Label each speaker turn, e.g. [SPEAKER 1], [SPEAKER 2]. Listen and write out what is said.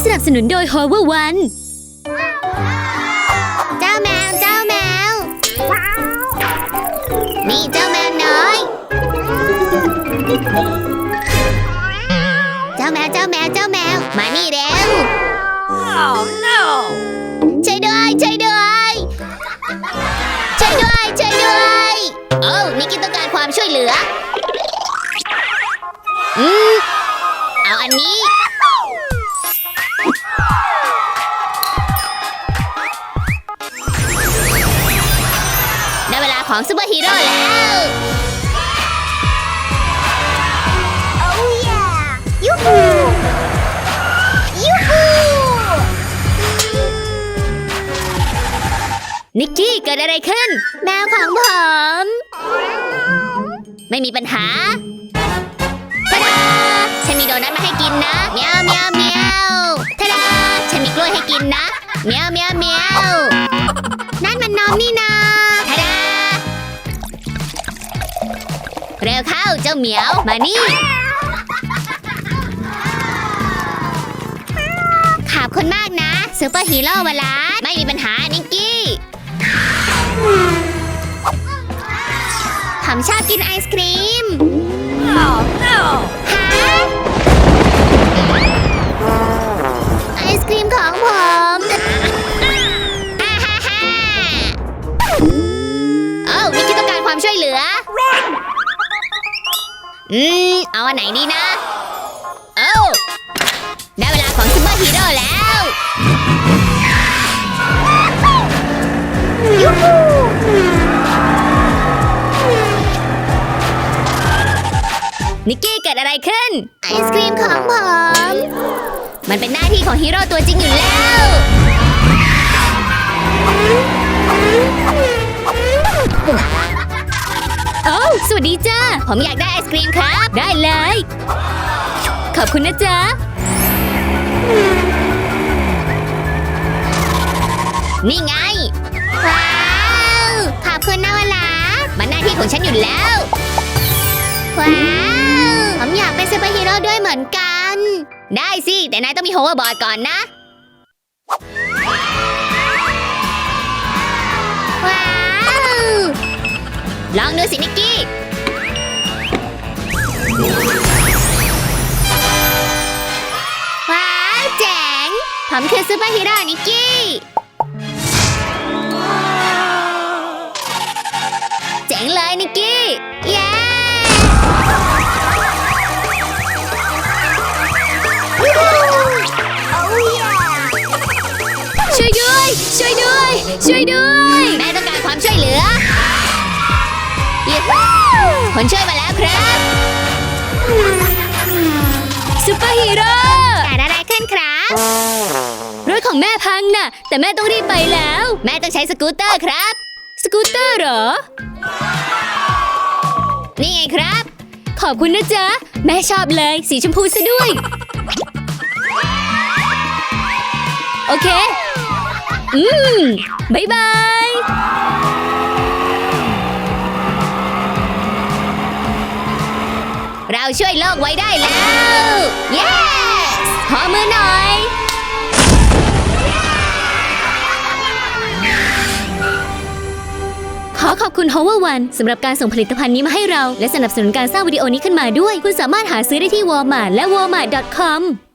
[SPEAKER 1] สนับสนุนโดย Hover One
[SPEAKER 2] เจ้าแมวนี่เจ้าแมวน้อยเจ้าแมวมานี่เร็ว
[SPEAKER 3] Oh no!
[SPEAKER 2] ช่วยด้วยโอ้นิกกี้ต้องการความช่วยเหลือเอาอันนี้ได้เวลาของซูเปอร์ฮีโร่แล้ว Oh yeah ยูฮู
[SPEAKER 1] นิกกี้เกิดอะไรขึ้น
[SPEAKER 2] แมวของผมไม่มีปัญหาทะดาฉันมีโดนัทมาให้กินนะเมียวทะดาฉันมีกล้วยให้กินนะเมียวนั่นมันนมนี่นาทะดาเร็วเข้าเจ้าเหมียวมานี่ขอบคุณมากนะซูเปอร์ฮีโร่วลาไม่มีปัญหานิกกี้ผมชอบกินไอศครีม
[SPEAKER 3] Oh no!
[SPEAKER 2] ฮะไอศครีมของผม ฮ่าโอ้นิกกี้ต้องการความช่วยเหลือ
[SPEAKER 3] Run!
[SPEAKER 2] เอาอันไหนดีนะโอ้ได้เวลาของซูเปอร์ฮีโร่แล้วยูฮู
[SPEAKER 1] นิกกี้เกิดอะไรขึ้น
[SPEAKER 2] ไอศครีมของผมมันเป็นหน้าที่ของฮีโร่ตัวจริงอยู่แล้ว
[SPEAKER 1] โอ้สวัสดีจ้า
[SPEAKER 2] ผมอยากได้ไอศครีมครับ
[SPEAKER 1] ได้เลย ขอบคุณนะจ๊ะ
[SPEAKER 2] นี่ไงว้าวขอบคุณนะวลามันหน้าที่ของฉันอยู่แล้วว้าวผมอยากเป็นซูเปอร์ฮีโร่ด้วยเหมือนกันได้สิแต่นายต้องมีโฮเวอร์บอร์ดก่อนนะว้าวลองดูสินิกกี้ว้าวเจ๋งผมคือซูเปอร์ฮีโร่นิกกี้เจ๋งเลยนิกกี้เย้
[SPEAKER 1] ช่วยด้วย
[SPEAKER 2] แม่ต้องการความช่วยเหลือยูฮูคนช่วยมาแล้วครับ
[SPEAKER 1] ซูเปอร์ฮีโร่
[SPEAKER 2] เกิดอะไรขึ้นครับ
[SPEAKER 1] รถของแม่พังน่ะ แต่แม่ต้องรีบไปแล้ว
[SPEAKER 2] แม่ต้องใช้สกูตเตอร์ครับ
[SPEAKER 1] สกูตเตอร์เหรอ
[SPEAKER 2] นี่ไงครับ
[SPEAKER 1] ขอบคุณนะจ๊ะ แม่ชอบเลยสีชมพูซะด้วย โอเค บ๊ายบาย
[SPEAKER 2] เราช่วยโลกไว้ได้แล้ว yes ขอมือหน่อย
[SPEAKER 1] ขอขอบคุณ Hover One สำหรับการส่งผลิตภัณฑ์นี้มาให้เรา และสนับสนุนการสร้างวิดีโอนี้ขึ้นมาด้วย คุณสามารถหาซื้อได้ที่ Walmart และ walmart.com